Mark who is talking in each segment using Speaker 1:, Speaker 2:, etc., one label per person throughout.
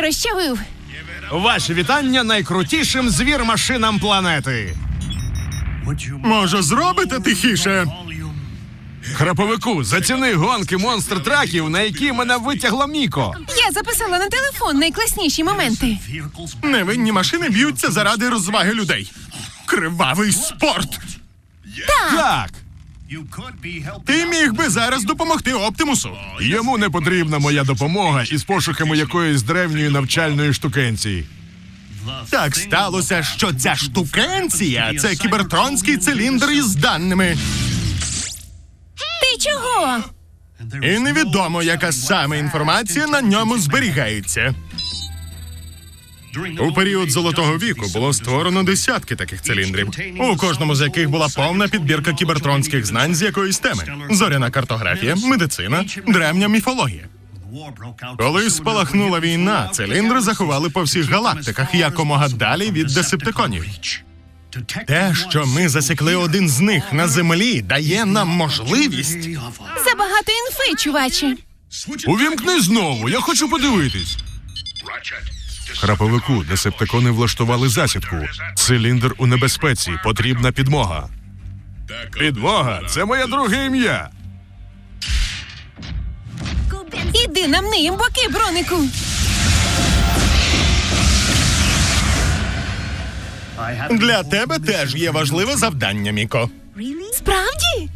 Speaker 1: розчавив.
Speaker 2: Ваші вітання найкрутішим звір-машинам планети.
Speaker 3: Може, зробите тихіше?
Speaker 2: Храповику, заціни гонки монстр-траків, на які мене витягла Міко.
Speaker 1: Я записала на телефон найкласніші моменти.
Speaker 3: Невинні машини б'ються заради розваги людей. Кривавий спорт!
Speaker 2: Так,
Speaker 3: Ти міг би зараз допомогти Оптимусу.
Speaker 2: йому не потрібна моя допомога із пошуками якоїсь древньої навчальної штукенції.
Speaker 3: Так сталося, що ця штукенція – це кібертронський циліндр із даними.
Speaker 1: Ти чого?
Speaker 3: І невідомо, яка саме інформація на ньому зберігається. У період Золотого віку було створено десятки таких циліндрів, у кожному з яких була повна підбірка кібертронських знань з якоїсь теми. Зоряна картографія, медицина, древня міфологія. Коли спалахнула війна, циліндри заховали по всіх галактиках якомога далі від десептиконів. Те, що ми засікли один з них на Землі, дає нам можливість...
Speaker 1: Забагато інфи, чуваче.
Speaker 2: Увімкни знову, я хочу подивитись. Храповику, десептикони влаштували засідку. Циліндр у небезпеці, потрібна підмога. Підмога – це моє друге ім'я.
Speaker 1: Іди нам ниєм боки, бронику.
Speaker 3: Для тебе теж є важливе завдання, Міко.
Speaker 1: Справді?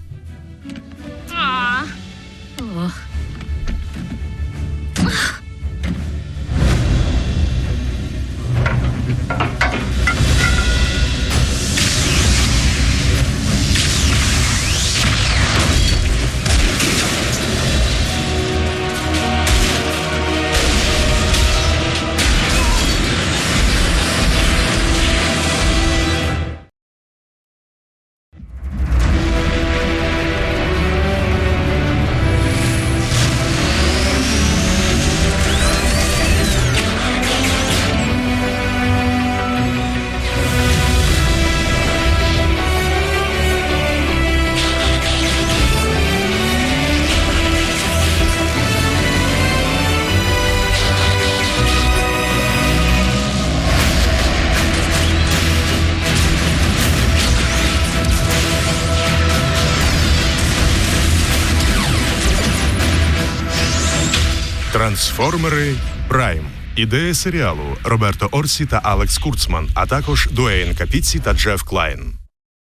Speaker 2: Трансформери Прайм. Ідея серіалу Роберто Орсі та Алекс Курцман, а також Дуейн Капіці та Джеф Клайн.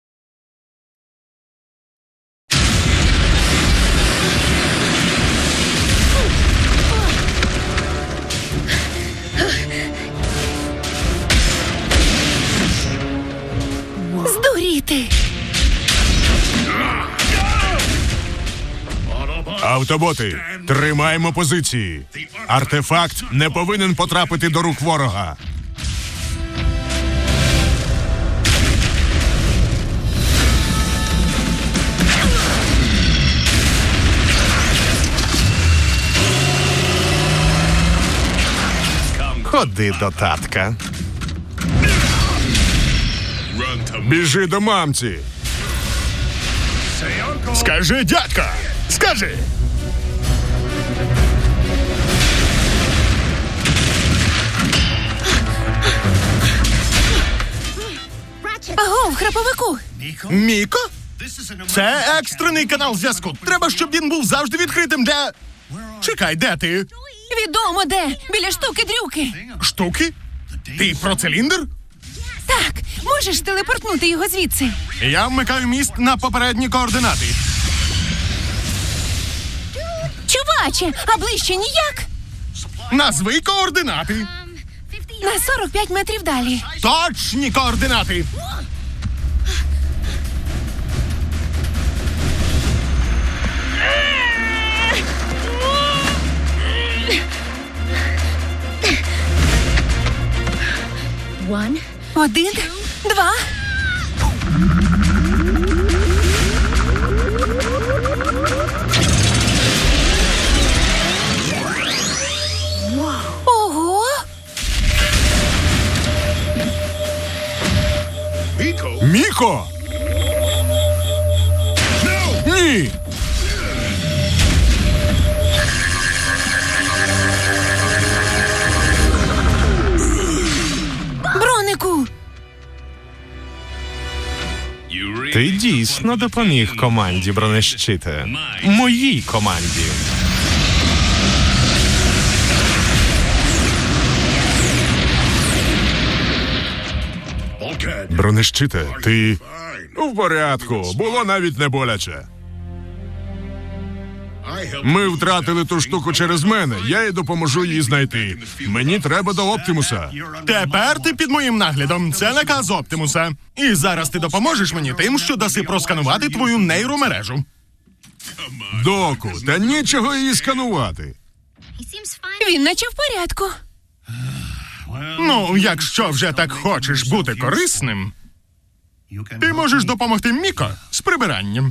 Speaker 1: Здуріти.
Speaker 2: Автоботи, тримаємо позиції. Артефакт не повинен потрапити до рук ворога. Ходи до татка. Біжи до мамці.
Speaker 3: Скажи, дядька! Скажи!
Speaker 1: Аго, в храповику.
Speaker 3: Міко? Це екстрений канал зв'язку. Треба, щоб він був завжди відкритим для... Чекай, де ти?
Speaker 1: Відомо де. Біля штуки-дрюки.
Speaker 3: Штуки? Ти про циліндр?
Speaker 1: Так, можеш телепортнути його звідси.
Speaker 3: Я вмикаю міст на попередні координати.
Speaker 1: Чуваче, а ближче ніяк.
Speaker 3: Назви координати.
Speaker 1: На 45 метрів далі.
Speaker 3: Точні координати.
Speaker 1: Один, два. Ого!
Speaker 2: Міко! Ні!
Speaker 1: хлопчику!
Speaker 2: Ти дійсно допоміг команді бронещите. Моїй команді. Бронещите, ти... В порядку, було навіть не боляче. Ми втратили ту штуку через мене, я їй допоможу її знайти. Мені треба до Оптимуса.
Speaker 3: Тепер ти під моїм наглядом. Це наказ Оптимуса. І зараз ти допоможеш мені тим, що даси просканувати твою нейромережу.
Speaker 2: Доку, та нічого її сканувати.
Speaker 1: Він наче в порядку.
Speaker 3: Ну, якщо вже так хочеш бути корисним, ти можеш допомогти Міко з прибиранням.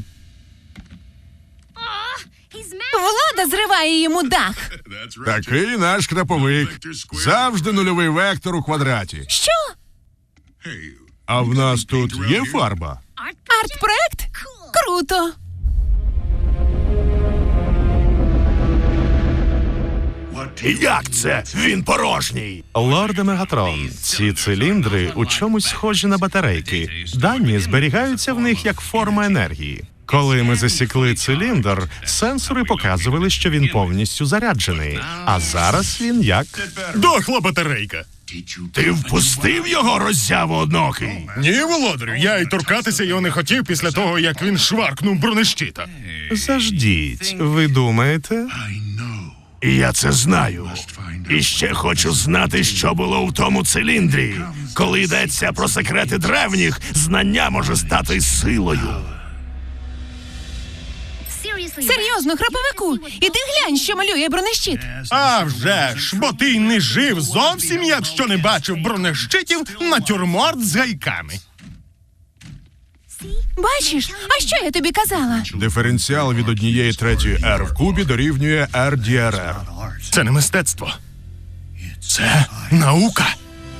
Speaker 1: Влада зриває йому дах.
Speaker 2: Такий наш краповик. Завжди нульовий вектор у квадраті.
Speaker 1: Що?
Speaker 2: А в нас тут є фарба?
Speaker 1: Арт-проект? Круто!
Speaker 2: Як це? Він порожній. Лорде Мегатрон, ці циліндри у чомусь схожі на батарейки. Дані зберігаються в них як форма енергії. Коли ми засікли циліндр, сенсори показували, що він повністю заряджений. А зараз він як...
Speaker 3: Дохла батарейка.
Speaker 2: Ти впустив його, роззяво однокий?
Speaker 3: Ні, володарю, я й торкатися його не хотів після того, як він шваркнув бронещита.
Speaker 2: Заждіть, ви думаєте? Я це знаю. І ще хочу знати, що було в тому циліндрі. Коли йдеться про секрети древніх, знання може стати силою.
Speaker 1: Серйозно, храповику, іди глянь, що малює бронещит.
Speaker 3: А вже ж, бо ти й не жив зовсім, якщо не бачив бронещитів натюрморт з гайками.
Speaker 1: Бачиш? А що я тобі казала?
Speaker 2: Диференціал від 1/3 R в кубі дорівнює RDRR.
Speaker 3: Це не мистецтво. Це наука.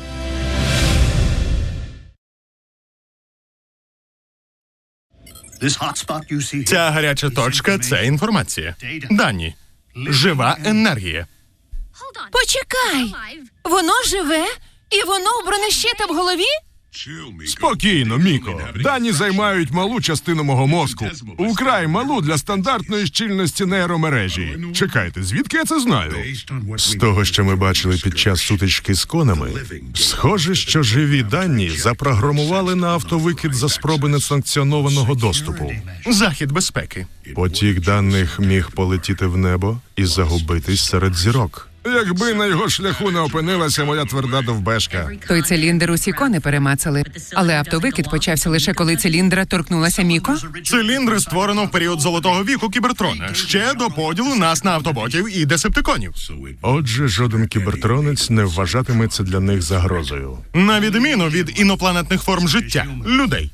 Speaker 3: Ця гаряча точка – це інформація. Дані. Жива енергія.
Speaker 1: Почекай! Воно живе? І воно у бронещита в голові?
Speaker 2: Спокійно, Міко. Дані займають малу частину мого мозку. Украй малу для стандартної щільності нейромережі. Чекайте, звідки я це знаю? З того, що ми бачили під час сутички з конами, схоже, що живі дані запрограмували на автовикид за спроби несанкціонованого доступу.
Speaker 3: Захід безпеки.
Speaker 2: Потік даних міг полетіти в небо і загубитись серед зірок. Якби на його шляху не опинилася моя тверда довбешка.
Speaker 4: Той циліндр усі кони перемацали, але автовикид почався лише коли циліндра торкнулася Міко.
Speaker 3: Циліндри створено в період Золотого віку Кібертрона, ще до поділу нас на автоботів і десептиконів.
Speaker 2: Отже, жоден кібертронець не вважатиметься для них загрозою.
Speaker 3: На відміну від інопланетних форм життя – людей.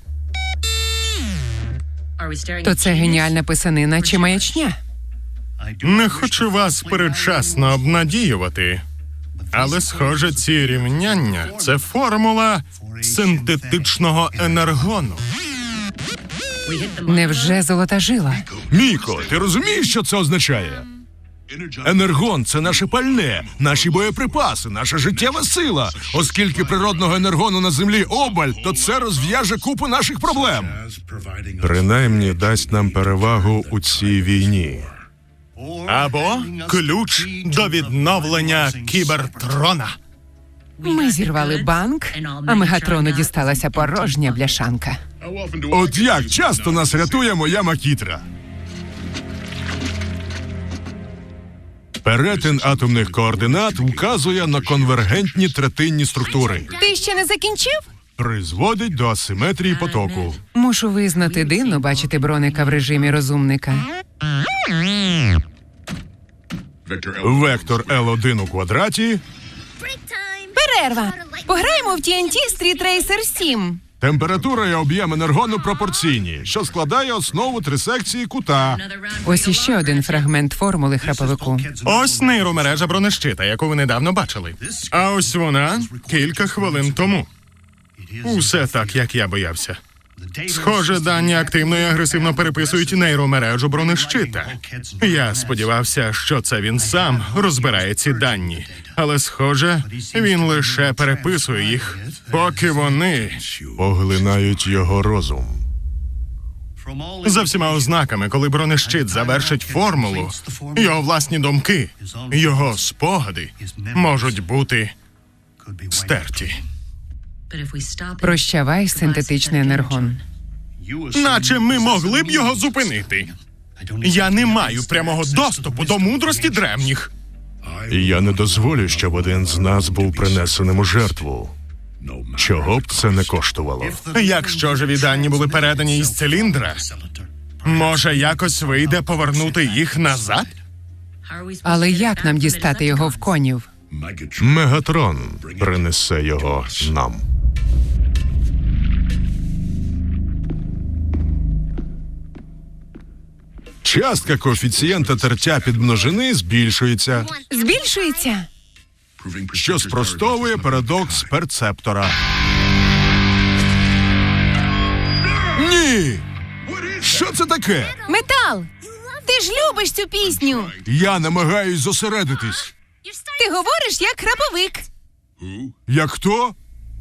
Speaker 4: То це геніальна писанина чи маячня?
Speaker 3: Не хочу вас передчасно обнадіювати, але, схоже, ці рівняння – це формула синтетичного енергону.
Speaker 4: Невже золота жила?
Speaker 2: Міко, ти розумієш, що це означає? Енергон – це наше пальне, наші боєприпаси, наша життєва сила. Оскільки природного енергону на землі обаль, то це розв'яже купу наших проблем. Принаймні дасть нам перевагу у цій війні.
Speaker 3: Або ключ до відновлення Кібертрона.
Speaker 4: Ми зірвали банк, а Мегатрону дісталася порожня бляшанка.
Speaker 2: От як часто нас рятує моя макітра. Перетин атомних координат вказує на конвергентні третинні структури.
Speaker 1: Ти ще не закінчив?
Speaker 2: Призводить до асиметрії потоку.
Speaker 4: Мушу визнати, дивно бачити броника в режимі розумника.
Speaker 2: Вектор L1 у квадраті.
Speaker 1: Перерва. Пограємо в TNT Street Racer 7.
Speaker 2: Температура і об'єм енергону пропорційні, що складає основу трисекції кута.
Speaker 4: Ось іще один фрагмент формули храповику.
Speaker 3: Ось нейромережа бронещита, яку ви недавно бачили. А ось вона кілька хвилин тому. Усе так, як я боявся. Схоже, дані активно і агресивно переписують нейромережу бронещита. Я сподівався, що це він сам розбирає ці дані. Але, схоже, він лише переписує їх, поки вони...
Speaker 2: Поглинають його розум.
Speaker 3: За всіма ознаками, коли бронещит завершить формулу, його власні думки, його спогади можуть бути стерті.
Speaker 4: Прощавай, синтетичний енергон.
Speaker 3: Наче ми могли б його зупинити. Я не маю прямого доступу до мудрості древніх.
Speaker 2: І я не дозволю, щоб один з нас був принесеним у жертву. Чого б це не коштувало.
Speaker 3: Якщо живі дані були передані із циліндра, може якось вийде повернути їх назад?
Speaker 4: Але як нам дістати його в конів?
Speaker 2: Мегатрон принесе його нам. Частка коефіцієнта тертя підмножини збільшується,
Speaker 1: Збільшується?
Speaker 2: що спростовує парадокс перцептора. Ні! Що це таке?
Speaker 1: Метал! Ти ж любиш цю пісню!
Speaker 2: Я намагаюсь зосередитись.
Speaker 1: Ти говориш як храповик.
Speaker 2: Як хто?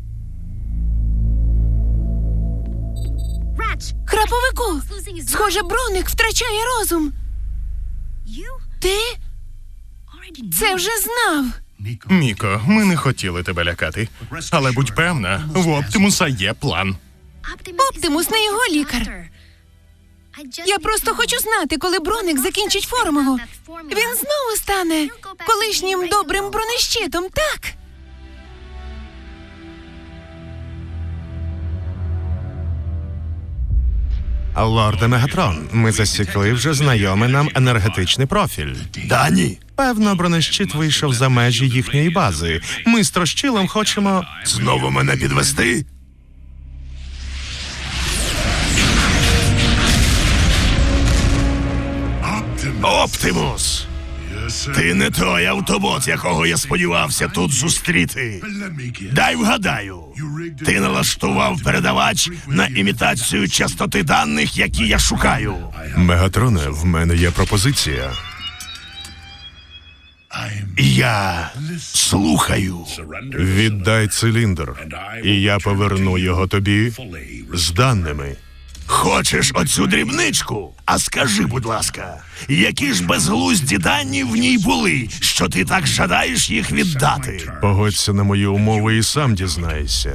Speaker 1: Храповику! Схоже, Броник втрачає розум. Ти це вже знав.
Speaker 3: Міко, ми не хотіли тебе лякати. Але будь певна, в Оптимуса є план.
Speaker 1: Оптимус не його лікар. Я просто хочу знати, коли Броник закінчить формулу. Він знову стане колишнім добрим бронещитом, так?
Speaker 5: Лорде Мегатрон, ми засікли вже знайомий нам енергетичний профіль.
Speaker 2: Дані.
Speaker 5: Певно, бронещит вийшов за межі їхньої бази. Ми з Трощилом хочемо...
Speaker 2: Знову мене підвести? Оптимус! Ти не той автобот, якого я сподівався тут зустріти. Дай вгадаю. Ти налаштував передавач на імітацію частоти даних, які я шукаю. Мегатроне, в мене є пропозиція. Я слухаю. Віддай циліндр, і я поверну його тобі з даними. Хочеш оцю дрібничку? А скажи, будь ласка, які ж безглузді дані в ній були, що ти так жадаєш їх віддати? Погодься на мої умови і сам дізнаєшся.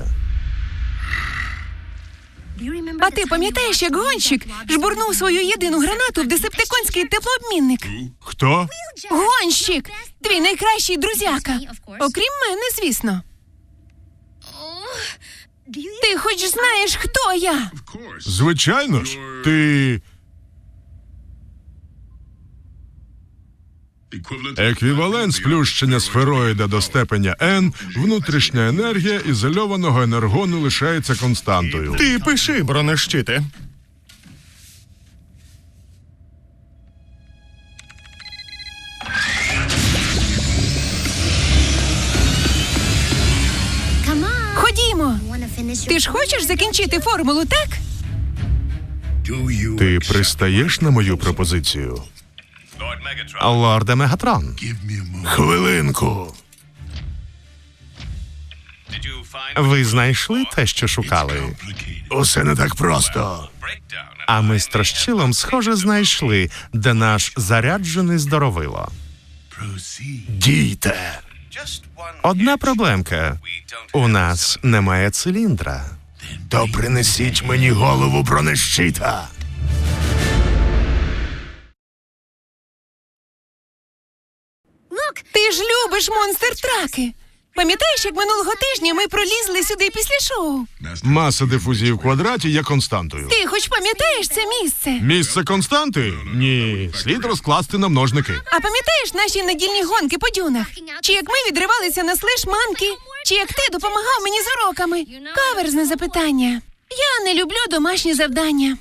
Speaker 1: А ти пам'ятаєш, як гонщик жбурнув свою єдину гранату в десептиконський теплообмінник?
Speaker 2: Хто?
Speaker 1: Гонщик! Твій найкращий друзяка. Окрім мене, звісно. Ти хоч знаєш, хто я?
Speaker 2: Звичайно ж, ти... Еквівалент сплющення сфероїда до степеня N, внутрішня енергія ізольованого енергону лишається константою.
Speaker 3: Ти пиши, бронещите.
Speaker 1: Ходімо. Ти ж хочеш закінчити формулу, так?
Speaker 2: Ти пристаєш на мою пропозицію?
Speaker 5: Лорде Мегатрон,
Speaker 2: Хвилинку.
Speaker 5: ви знайшли те, що шукали?
Speaker 2: Усе не так просто.
Speaker 5: А ми з Трощилом, схоже, знайшли, де наш заряджений здоровило.
Speaker 2: Дійте.
Speaker 5: Одна проблемка. У нас немає циліндра.
Speaker 2: То принесіть мені голову бронещита.
Speaker 1: Ти ж любиш монстр-траки. Пам'ятаєш, як минулого тижня ми пролізли сюди після шоу?
Speaker 2: Маса дифузії в квадраті є константою.
Speaker 1: Ти хоч пам'ятаєш це місце?
Speaker 2: Місце константи? Ні. Слід розкласти на множники.
Speaker 1: А пам'ятаєш наші недільні гонки по дюнах? Чи як ми відривалися на слеш-манки? Чи як ти допомагав мені з уроками? Каверзне запитання. Я не люблю домашні завдання.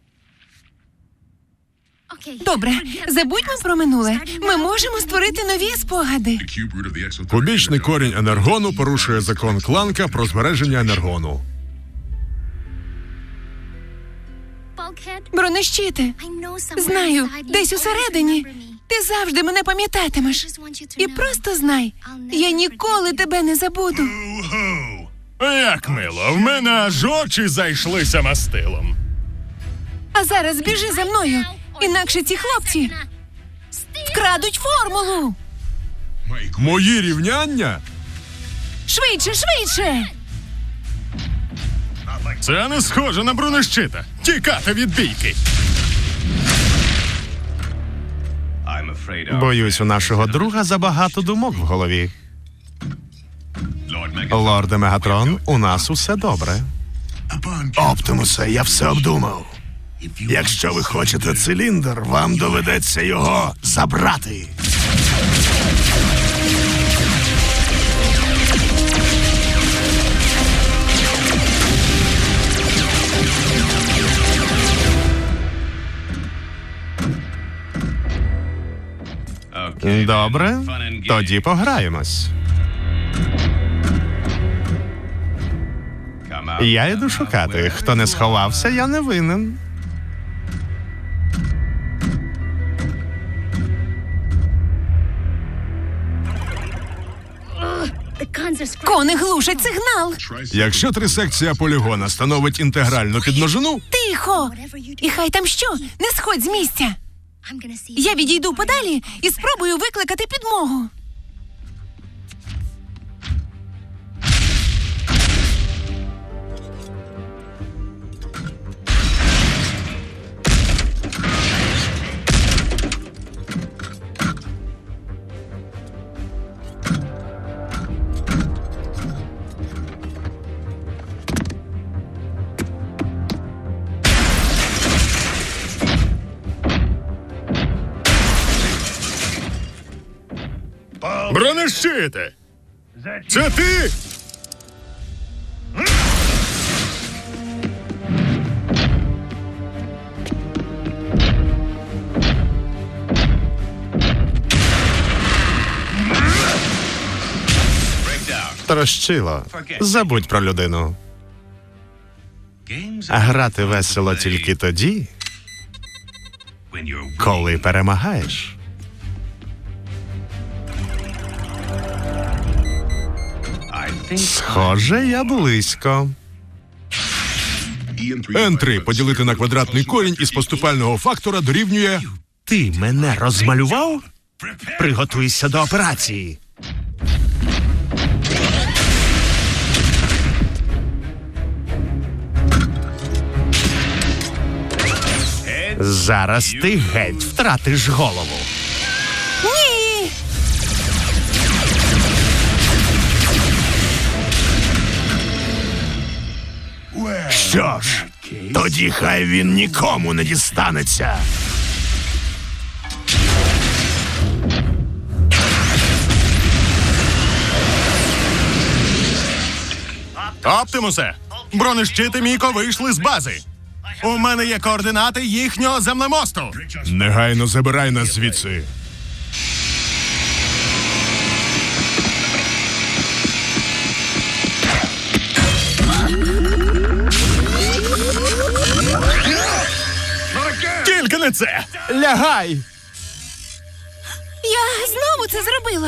Speaker 1: Добре, забудьмо про минуле. Ми можемо створити нові спогади.
Speaker 2: Кубічний корінь енергону порушує закон Кланка про збереження енергону.
Speaker 1: Бронещите, знаю, десь усередині. Ти завжди мене пам'ятатимеш. І просто знай, я ніколи тебе не забуду.
Speaker 3: Як мило, в мене аж очі зайшлися мастилом.
Speaker 1: А зараз біжи за мною, інакше ці хлопці вкрадуть формулу.
Speaker 2: Мої рівняння?
Speaker 1: Швидше, швидше!
Speaker 3: Це не схоже на бронещита. Тікати від бійки.
Speaker 5: Боюсь, у нашого друга забагато думок в голові. Лорде Мегатрон, у нас усе добре.
Speaker 6: Оптимусе, я все обдумав. Якщо ви хочете циліндр, вам доведеться його забрати.
Speaker 5: Добре, тоді пограємось. Я йду шукати. Хто не сховався, я не винен.
Speaker 1: Кони глушать сигнал.
Speaker 2: Якщо трисекція полігона становить інтегральну підмножину,
Speaker 1: Тихо! І хай там що, не сходь з місця. Я відійду подалі і спробую викликати підмогу.
Speaker 3: Бронещите! Це ти?
Speaker 5: Трощило. Забудь про людину. А грати весело тільки тоді, коли перемагаєш. Схоже, я близько.
Speaker 2: N3 поділити на квадратний корінь із поступального фактора дорівнює...
Speaker 6: Ти мене розмалював? Приготуйся до операції.
Speaker 5: Зараз ти геть втратиш голову.
Speaker 1: Ні!
Speaker 6: Що ж, тоді хай він нікому не дістанеться.
Speaker 3: Оптимусе! Бронещити Міко вийшли з бази. У мене є координати їхнього землемосту.
Speaker 2: Негайно забирай нас звідси.
Speaker 3: Тільки не це!
Speaker 5: Лягай!
Speaker 1: Я знову це зробила.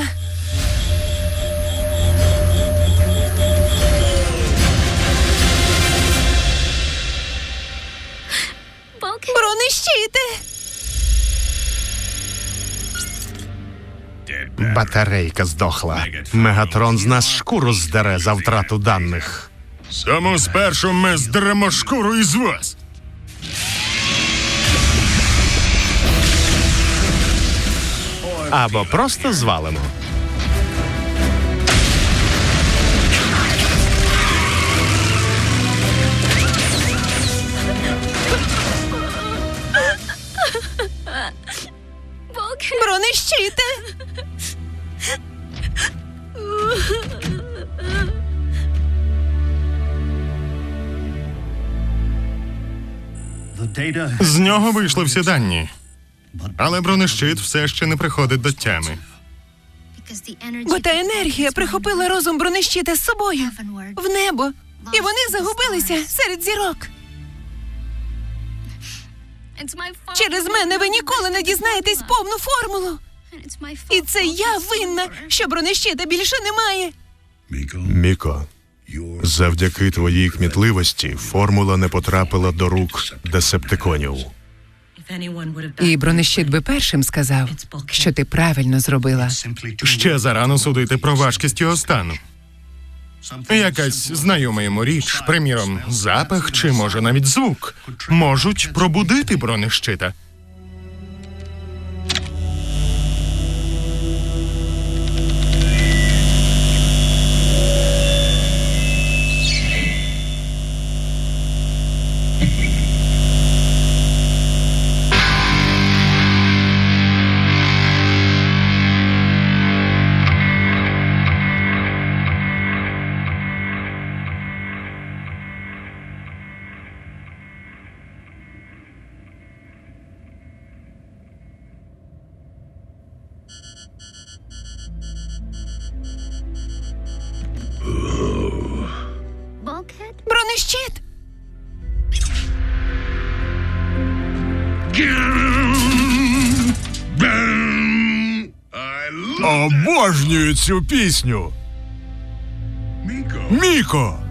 Speaker 1: Бронещите!
Speaker 5: Батарейка здохла. Мегатрон з нас шкуру здере за втрату даних.
Speaker 3: Тому спершу ми здеремо шкуру із вас.
Speaker 5: Або просто звалимо.
Speaker 1: Бронещите!
Speaker 3: З нього вийшли всі дані. Але бронещит все ще не приходить до тями.
Speaker 1: Бо та енергія прихопила розум бронещита з собою в небо, і вони загубилися серед зірок. Через мене ви ніколи не дізнаєтесь повну формулу. І це я винна, що бронещита більше немає.
Speaker 6: Міко, завдяки твоїй кмітливості формула не потрапила до рук десептиконів.
Speaker 4: І бронещит би першим сказав, що ти правильно зробила.
Speaker 3: Ще зарано судити про важкість його стану. Якась знайома йому річ, приміром, запах чи, може, навіть звук, можуть пробудити бронещита.
Speaker 1: Бронещит!
Speaker 2: Обожнюю цю пісню. Міко!